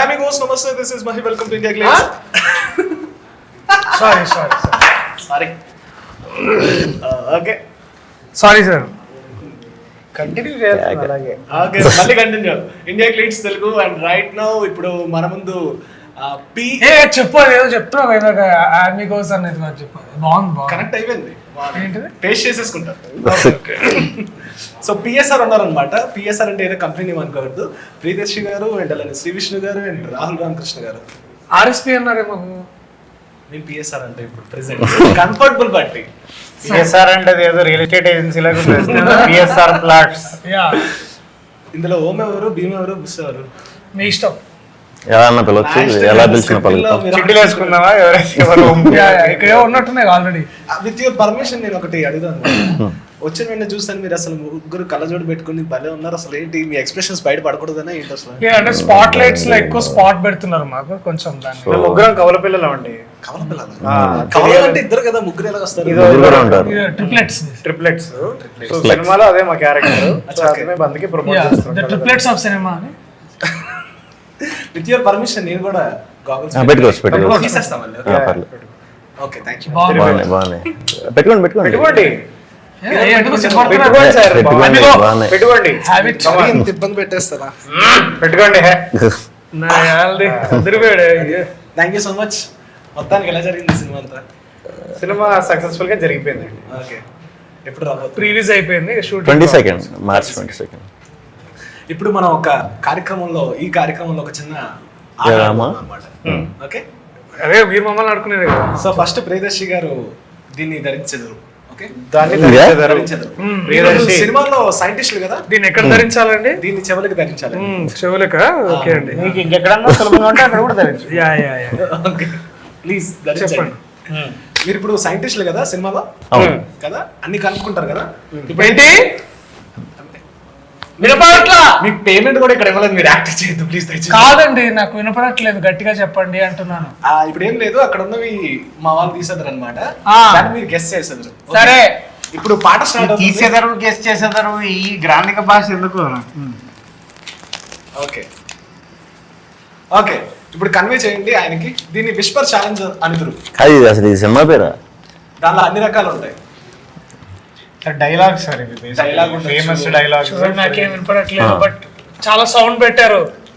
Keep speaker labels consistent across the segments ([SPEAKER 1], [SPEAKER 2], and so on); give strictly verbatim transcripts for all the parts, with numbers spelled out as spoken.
[SPEAKER 1] Hi amigos, namaste. This is Mahi. Welcome to India Glitz.
[SPEAKER 2] Sorry, sorry, sorry.
[SPEAKER 1] Sorry. Uh, okay.
[SPEAKER 2] Sorry, sir. Continue చేస్తాను అలాగే.
[SPEAKER 1] Okay మళ్ళీ continue. India Glitz Telugu and right now ఇప్పుడు మన ముందు P
[SPEAKER 2] A చెప్పు ఏదో చెప్తున్నావు ఇందాక ఆర్మీకోస్ అనేది నాకు చెప్పు. బాగుంది బాగుంది
[SPEAKER 1] కనెక్ట్ అయిపోయింది.
[SPEAKER 2] ఏంటిది?
[SPEAKER 1] పేస్ట్ చేసేసుకుంటా. సో పిఎస్ఆర్ ఉన్నారనమాట. పిఎస్ఆర్ అంటే ఏదో కంపెనీ నేమ్ అనుకోవద్దు. ప్రియదర్శి గారు అండ్ అలానే శ్రీ విష్ణు గారు అండ్ రాహుల్ రామకృష్ణ గారు.
[SPEAKER 2] ఆర్ఎస్పీ అన్నారేమో.
[SPEAKER 1] నేను పిఎస్ఆర్ అంటే ఇప్పుడు ప్రెసెంట్ కంఫర్టబుల్ పార్టీ.
[SPEAKER 3] పిఎస్ఆర్ అంటే ఏదో రియల్ ఎస్టేట్ ఏజెన్సీ లాగా పిఎస్ఆర్ ప్లాట్స్.
[SPEAKER 2] యా
[SPEAKER 1] ఇందులో ఓం ఎవరు, భీమ్ ఎవరు, బుస్ ఎవరు
[SPEAKER 2] మీ ఇష్టం.
[SPEAKER 4] ఎలా అన్న పిలవచ్చు, ఎలా పిలిచిన పలుకుతాం.
[SPEAKER 3] చిట్టీలు వేసుకుందామా ఎవరైతే
[SPEAKER 2] ఇక్కడ ఉన్నట్టున్నాయి ఆల్రెడీ.
[SPEAKER 1] విత్ యువర్ పర్మిషన్ నేను ఒకటి అడుగుతాను. వచ్చిన వెంటనే చూస్తాను మీరు అసలు ముగ్గురు కళ్ళజోడు పెట్టుకుని భలే ఉన్నారు. అసలు ఏంటి మీ ఎక్స్ప్రెషన్స్ బయట పడకూడదనే ఏంటి అసలు?
[SPEAKER 2] అంటే స్పాట్ లైట్స్ లో ఎక్కువ స్పాట్ పెడుతున్నారు మాకు కొంచెం దాన్ని.
[SPEAKER 3] ముగ్గురం కవల పిల్లలు అండి.
[SPEAKER 1] కవల పిల్లలు కవల అంటే ఇద్దరు కదా, ముగ్గురు ఎలా వస్తారు?
[SPEAKER 4] ముగ్గురు ఉంటారు.
[SPEAKER 2] Triplets
[SPEAKER 3] triplets. సో సినిమాలో అదే మా క్యారెక్టర్. బందికి ప్రమోట్ చేస్తాం.
[SPEAKER 2] ద ట్రిప్లెట్స్ ఆఫ్ సినిమా అని.
[SPEAKER 1] విత్ యువర్ పర్మిషన్ నేను కూడా గాగల్స్
[SPEAKER 4] పెట్టుకోవచ్చు పెట్టుకోవచ్చు.
[SPEAKER 1] తీసేస్తాం మళ్ళీ.
[SPEAKER 4] ఆ, పర్లేదు.
[SPEAKER 1] Okay thank you.
[SPEAKER 4] బాగున్నాయి బాగున్నాయి. పెట్టుకోండి పెట్టుకోండి
[SPEAKER 3] పెట్టుకోండి
[SPEAKER 4] పెట్టుకోండి బాగున్నాయి.
[SPEAKER 3] పెట్టుకోండి
[SPEAKER 1] ఇంత ఇబ్బంది పెట్టేస్తారా?
[SPEAKER 3] పెట్టుకోండి.
[SPEAKER 1] Thank you so much. మొత్తానికి ఎలా జరిగింది సినిమా అంతా?
[SPEAKER 3] సినిమా సక్సెస్ఫుల్ గా జరిగిపోయింది.
[SPEAKER 1] ఓకే ఎప్పుడు రాబోతుంది?
[SPEAKER 2] ప్రీలీజ్ అయిపోయింది shoot
[SPEAKER 4] twenty second March twenty second.
[SPEAKER 1] ఇప్పుడు మనం ఒక కార్యక్రమంలో ఈ కార్యక్రమంలో ఒక చిన్న
[SPEAKER 4] డ్రామా
[SPEAKER 1] అన్నమాట. ఓకే
[SPEAKER 2] అదే మీరు మమ్మల్ని ఆడుకునేది కదా.
[SPEAKER 1] సో ఫస్ట్ ప్రియదర్శి గారు దీన్ని ధరించెదరు. ఓకే
[SPEAKER 3] దాన్ని
[SPEAKER 4] ఇదే?
[SPEAKER 1] ధరించెదరు.
[SPEAKER 3] ప్రియదర్శి.
[SPEAKER 1] సినిమాలో సైంటిస్టులు కదా,
[SPEAKER 2] దీన్ని ఎక్కడ ధరించాలండి?
[SPEAKER 1] దీన్ని చెవులకు ధరించాలి.
[SPEAKER 2] చెవులక. ఓకే అండి.
[SPEAKER 3] మీకు ఇంకెక్కడన్నా సులభంగా ఉంటే అక్కడ కూడా ధరించు.
[SPEAKER 2] Yeah yeah yeah
[SPEAKER 1] okay please ధరించండి.
[SPEAKER 2] చెప్పండి.
[SPEAKER 1] మీరు ఇప్పుడు సైంటిస్టులు కదా సినిమాలో
[SPEAKER 4] అవును.
[SPEAKER 1] కదా, అన్ని కనుక్కుంటారు కదా.
[SPEAKER 2] ఇప్పుడు ఏంటి వినపడట్లా?
[SPEAKER 1] మీకు పేమెంట్ కూడా ఇక్కడ ఇవ్వలేదు, మీరు యాక్ట్ చేయొద్దు ప్లీజ్ దయచేసి.
[SPEAKER 2] కాదండి నాకు వినపడట్లేదు, గట్టిగా చెప్పండి అంటున్నాను.
[SPEAKER 1] ఆ, ఇప్పుడు ఏం లేదు, అక్కడ ఉన్నవి మా వాళ్ళు తీసేదారు అనమాట.
[SPEAKER 2] ఆ.
[SPEAKER 1] మీరు గెస్ చేసేదారు.
[SPEAKER 2] సరే
[SPEAKER 1] ఇప్పుడు పాట స్టార్ట్ అవుతుంది.
[SPEAKER 3] తీసేదారు గెస్ట్ చేసేదారు ఈ గ్రాంధిక భాష ఎందుకు?
[SPEAKER 1] ఓకే ఓకే ఇప్పుడు కన్వే చేయండి ఆయనకి. దీన్ని విస్పర్ ఛాలెంజ్ అనుదురు.
[SPEAKER 4] అది అసలు ఈ సినిమా పేరా?
[SPEAKER 1] దానిలో అన్ని రకాలు ఉంటాయి.
[SPEAKER 3] డైలాగ్ సార్ ఇది.
[SPEAKER 1] Dialogue ఉండొచ్చు.
[SPEAKER 3] Famous dialogue.
[SPEAKER 2] చూడండి, నాకేం వినపడట్లేదు బట్ చాలా సౌండ్ పెట్టారు.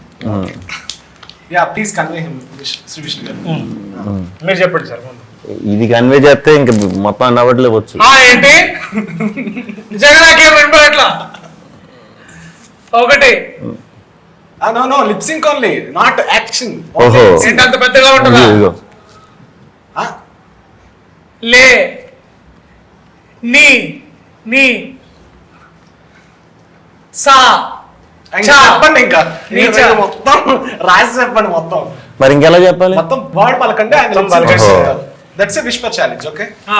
[SPEAKER 1] Yeah please convey him Shri Vishnu garu.
[SPEAKER 3] మీరు చెప్పండి సార్ ముందు.
[SPEAKER 4] ఇది కన్వే చేస్తే ఇంకా మొత్తం అన్నవట్లే వచ్చు.
[SPEAKER 2] ఆ ఏంటి నిజంగా నాకేం వినపడట్లా. ఒకటి
[SPEAKER 1] no no lip sync only, not action.
[SPEAKER 4] ఓహో.
[SPEAKER 2] ఏంటి అంత పెద్దగా ఉంటుందా?
[SPEAKER 4] ఇదిగో.
[SPEAKER 2] లే నీ నీ సా చా.
[SPEAKER 1] చెప్పండి ఇంకా
[SPEAKER 2] నీచా.
[SPEAKER 1] మీరు మొత్తం రాసి చెప్పండి మొత్తం
[SPEAKER 4] మరి ఇంకెలా చెప్పాలి?
[SPEAKER 1] మొత్తం వర్డ్ పలకండి. ఆయన
[SPEAKER 3] మొత్తం పలకండి.
[SPEAKER 1] That's a whisper challenge. Okay
[SPEAKER 2] ఆ.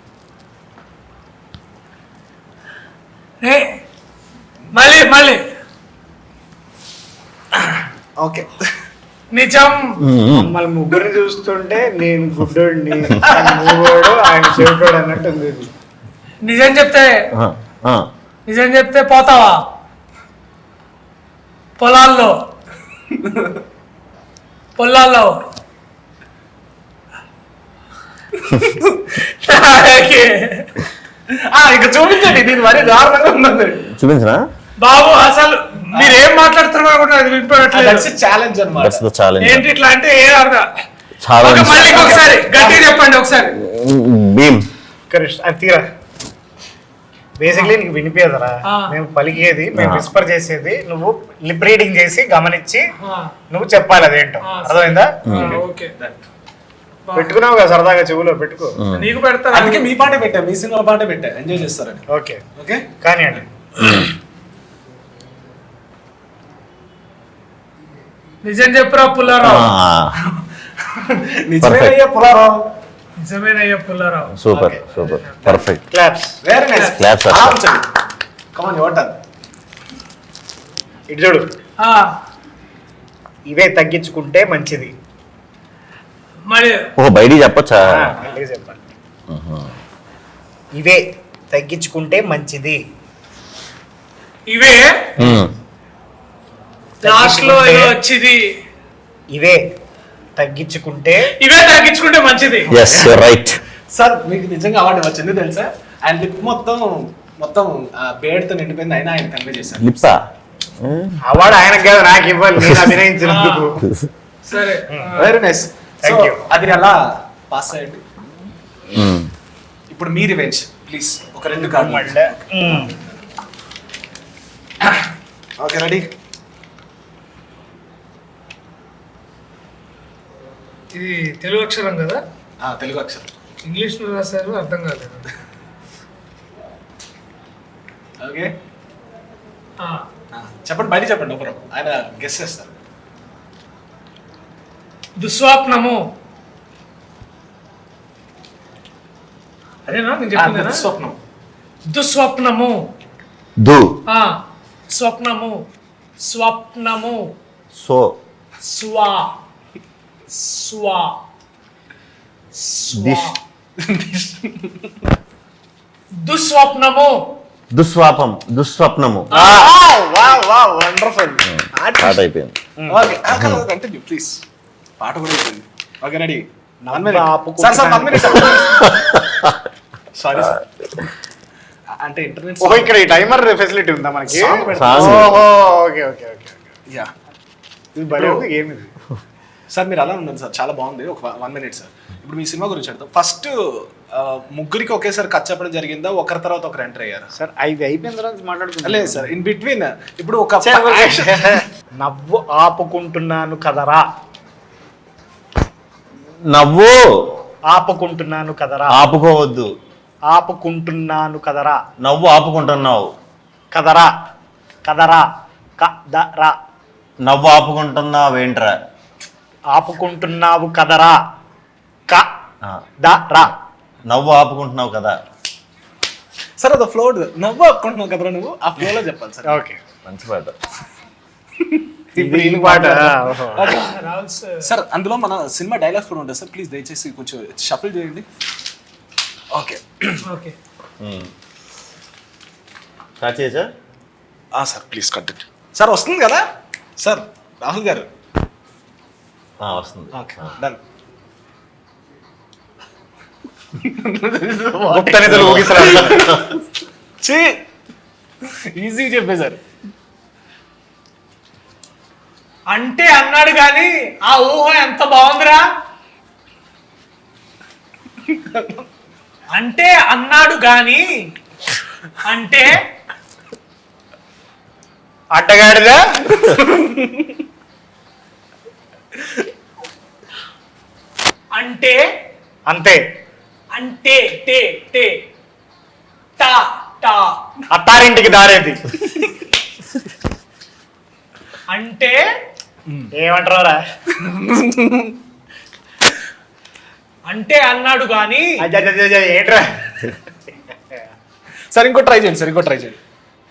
[SPEAKER 2] ఏ మళ్ళీ మళ్ళీ
[SPEAKER 1] ఓకే
[SPEAKER 2] నిజం.
[SPEAKER 3] మమ్మల్ని ముగ్గురిని చూస్తుంటే నేను గుడ్డోడిని, మూగోడు, ఆయన చెవిటోడు అన్నట్టు ఉంది.
[SPEAKER 2] నిజం చెప్తే
[SPEAKER 4] ఆ, ఆ.
[SPEAKER 2] నిజం చెప్తే పోతావా పొలాల్లో? పొలాల్లో
[SPEAKER 1] ఇక చూపించండి. దీని మరీ దారుణంగా ఉన్నది.
[SPEAKER 4] చూపించనా?
[SPEAKER 2] బాబు అసలు మీరేం మాట్లాడుతున్నారు కూడా అది వినిపడట్లేదు.
[SPEAKER 1] దట్స్ ఎ ఛాలెంజ్ అన్నమాట.
[SPEAKER 4] That's the challenge.
[SPEAKER 2] ఏంటి ఇట్లా అంటే ఏ అర్థం?
[SPEAKER 4] చాలా
[SPEAKER 2] ఓకే, మళ్ళీ ఒకసారి గట్టిగా చెప్పండి ఒకసారి.
[SPEAKER 4] భీమ్.
[SPEAKER 3] కరెక్ట్. అది తీరా. బేసిక్లీ నీకు వినిపించదరా?
[SPEAKER 2] ఆ.
[SPEAKER 3] మేము పలికేది, మేము
[SPEAKER 4] ఆ.
[SPEAKER 3] విస్పర్ చేసేది, నువ్వు లిప్ రీడింగ్ చేసి గమనించి
[SPEAKER 2] ఆ,
[SPEAKER 3] నువ్వు చెప్పాలి అదేంటో.
[SPEAKER 2] ఆ,
[SPEAKER 3] అర్థమైందా?
[SPEAKER 2] ఆ, ఓకే
[SPEAKER 3] పెట్టుకున్నావు కదా సరదాగా చెవులో పెట్టుకో.
[SPEAKER 2] నీకు పెడతా.
[SPEAKER 1] అందుకే మీ పాటే పెట్టా, మీ సినిమా పాటే పెట్టా, ఎంజాయ్ చేస్తారని.
[SPEAKER 3] ఓకే
[SPEAKER 1] ఓకే
[SPEAKER 3] కానీ అండి
[SPEAKER 2] నిజం చెప్పురా పుల్లారావు.
[SPEAKER 1] నిజమేనయ్యా పులారావు.
[SPEAKER 2] నిజమేనయ్యా Pullarao.
[SPEAKER 4] Super
[SPEAKER 1] Okay.
[SPEAKER 4] Super perfect.
[SPEAKER 3] Claps.
[SPEAKER 1] Very nice.
[SPEAKER 4] Claps, sir.
[SPEAKER 1] Come on your turn.
[SPEAKER 3] ఇటు చూడు.
[SPEAKER 2] ఆ,
[SPEAKER 3] ఇవే తగ్గించుకుంటే మంచిది.
[SPEAKER 2] మరి
[SPEAKER 4] ఓ బయటికి చెప్పొచ్చా?
[SPEAKER 3] ఆ, మళ్ళీ చెప్పాలి. ఇవే తగ్గించుకుంటే మంచిది.
[SPEAKER 2] ఇవే
[SPEAKER 4] ఉమ్.
[SPEAKER 2] లాస్ట్ లో ఏదో వచ్చింది.
[SPEAKER 3] ఇవే తగ్గించుకుంటే
[SPEAKER 2] ఇవే తగ్గించుకుంటే మంచిది.
[SPEAKER 4] Yes right.
[SPEAKER 1] సార్ మీకు నిజంగా అవార్డు వచ్చింది తెలుసా? అండ్ లిప్ మొత్తం మొత్తం బేడ్తో నిండిపోయింది, అయినా ఆయన కన్వే చేశారు.
[SPEAKER 4] లిప్సా
[SPEAKER 3] అవార్డు ఆయనకు కాదు నాకు ఇవ్వాలి, నేను అభినయించినందుకు.
[SPEAKER 2] సరే
[SPEAKER 1] వెరీ నైస్.
[SPEAKER 3] Thank you.
[SPEAKER 1] అది అలా పాస్ అయ్యండి. ఇప్పుడు మీ రివెంజ్ ప్లీజ్, ఒక రెండు కార్డు.
[SPEAKER 3] మళ్ళీ
[SPEAKER 1] ఓకే రెడీ?
[SPEAKER 2] ఇది తెలుగు అక్షరం కదా,
[SPEAKER 1] తెలుగు అక్షరం.
[SPEAKER 2] ఇంగ్లీష్ లో రాశారు, అర్థం కాలేదు.
[SPEAKER 1] ఓకే చెప్పండి, బయట చెప్పండి, ఒకరు ఆయన గెస్ చేస్తారు.
[SPEAKER 2] దుస్వప్నము. అదేనా నేను చెప్పిందేనా?
[SPEAKER 1] స్వప్నం.
[SPEAKER 2] దుస్వప్నము.
[SPEAKER 4] దు
[SPEAKER 2] ఆ స్వప్నము. స్వప్నము.
[SPEAKER 4] సో
[SPEAKER 2] స్వా స్వా స్వా. దుస్వప్నము.
[SPEAKER 4] దుస్వాపం దుస్వప్నము
[SPEAKER 3] వండర్ఫుల్.
[SPEAKER 4] స్టార్ట్ అయిపోయింది.
[SPEAKER 1] Okay continue please. పాట కూడా అయిపోయింది. Okay ready?
[SPEAKER 3] ఆపుకుంటున్నాను.
[SPEAKER 1] Sir sir one minute sorry sir, అంటే ఇంటర్నెట్.
[SPEAKER 3] ఓహో ఇక్కడ ఈ టైమర్ ఫెసిలిటీ ఉందా మనకి?
[SPEAKER 1] Song పెడతా.
[SPEAKER 4] Song.
[SPEAKER 3] ఓహో ఓకే ఓకే ఓకే.
[SPEAKER 1] యా
[SPEAKER 3] ఇది భలే ఉంది గేమ్ ఇది.
[SPEAKER 1] సార్ మీరు అలా ఉండండి సార్, చాలా బాగుంది. ఒక వన్ మినిట్ సార్. ఇప్పుడు మీ సినిమా గురించి అడుగుతాం. ఫస్ట్ ముగ్గురికి ఒకేసారి కట్ చెప్పడం జరిగిందా, ఒకరి తర్వాత ఒకరు ఎంటర్ అయ్యారు?
[SPEAKER 3] సార్ అవి అయిపోయిన తర్వాత మాట్లాడుకుంటా.
[SPEAKER 1] లేదు సార్, ఇన్ బిట్వీన్ ఇప్పుడు ఒక
[SPEAKER 3] నవ్వు ఆపుకుంటున్నాను కదరా.
[SPEAKER 4] నవ్వు
[SPEAKER 3] ఆపుకుంటున్నాను కదరా.
[SPEAKER 4] ఆపుకోవద్దు.
[SPEAKER 3] ఆపుకుంటున్నాను కదరా.
[SPEAKER 4] నవ్వు ఆపుకుంటున్నావు.
[SPEAKER 3] కదరా కదరా కదరా.
[SPEAKER 4] నవ్వు ఆపుకుంటున్నావు ఏంట్రా?
[SPEAKER 3] ఆపుకుంటున్నావు కదరా. క
[SPEAKER 4] ఆ,
[SPEAKER 3] దరా.
[SPEAKER 4] నవ్వు ఆపుకుంటున్నావు కదా.
[SPEAKER 1] సార్ అది ఫ్లో నవ్వు ఆపుకుంటున్నావు కదా, నువ్వు ఆ ఫ్లోలో చెప్పాలి సార్.
[SPEAKER 3] ఓకే
[SPEAKER 4] మంచి పాట.
[SPEAKER 1] ఇప్పుడు
[SPEAKER 3] ఈ
[SPEAKER 1] ఈయన
[SPEAKER 3] పాట
[SPEAKER 1] ఓకే.
[SPEAKER 2] రాహుల్ సార్.
[SPEAKER 1] సార్ అందులో మన సినిమా డైలాగ్స్ కూడా ఉంటాయి సార్, ప్లీజ్ దయచేసి కొంచెం షఫిల్ చేయండి. ఓకే
[SPEAKER 2] ఓకే
[SPEAKER 4] స్టార్ట్ చేయచ్చా?
[SPEAKER 1] Sir please continue. సార్ వస్తుంది కదా సార్, రాహుల్ గారు.
[SPEAKER 4] ఆ, వస్తుంది.
[SPEAKER 1] Okay done.
[SPEAKER 3] గుప్త నిధులు ఊగిసలాడు.
[SPEAKER 1] చీ ఈజీ చెప్పేశారు.
[SPEAKER 2] అంటే అన్నాడు కానీ ఆ ఊహ ఎంత బాగుందిరా. అంటే అన్నాడు గాని అంటే
[SPEAKER 3] అడ్డగాడిదా.
[SPEAKER 2] అంటే
[SPEAKER 3] అంతే.
[SPEAKER 2] అంటే టే టే టా టా.
[SPEAKER 3] అత్తారింటికి దారేది.
[SPEAKER 2] అంటే
[SPEAKER 3] ఏమంటారా?
[SPEAKER 2] అంటే అన్నాడు గాని
[SPEAKER 3] ఏంట్రా?
[SPEAKER 1] సార్ ఇంకో ట్రై చేయండి సార్, ఇంకో ట్రై చేయండి.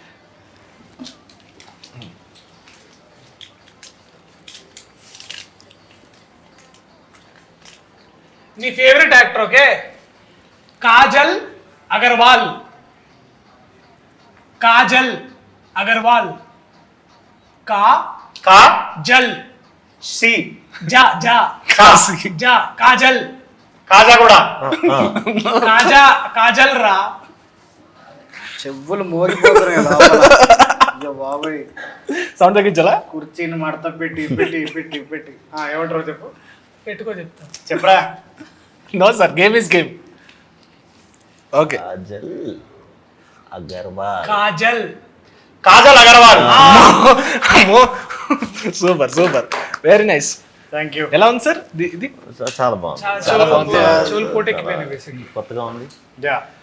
[SPEAKER 2] నీ favourite actor okay, Kajal Aggarwal. Kajal Aggarwal. కా
[SPEAKER 3] కా
[SPEAKER 2] జల్
[SPEAKER 3] సి
[SPEAKER 2] జా జా
[SPEAKER 3] కా
[SPEAKER 2] జా కాజల్.
[SPEAKER 3] కాజా కూడా.
[SPEAKER 2] కాజా కాజల్ రా.
[SPEAKER 3] చెవులు మోగిపోతున్నాయి లోపల. బాబాయ్
[SPEAKER 1] సౌండ్ తగ్గించాలా?
[SPEAKER 3] కుర్చీని మడత పెట్టి పెట్టి పెట్టి పెట్టి ఏమంటారు చెప్పు.
[SPEAKER 2] పెట్టుకో చెప్తా.
[SPEAKER 3] చెప్పరా.
[SPEAKER 1] No sir, game is game. Okay
[SPEAKER 4] Kajal Aggarwal.
[SPEAKER 2] Kajal
[SPEAKER 3] Kajal Aggarwal.
[SPEAKER 1] Super super, very nice.
[SPEAKER 3] Thank you.
[SPEAKER 1] ఎలా ఉంది సార్ ఇది?
[SPEAKER 4] చాలా బాగుంది.
[SPEAKER 2] చాలా బాగుంది. చెవులు పోటెక్కిపోయినాయి బేసిక్లీ.
[SPEAKER 4] కొత్తగా ఉంది.
[SPEAKER 3] యా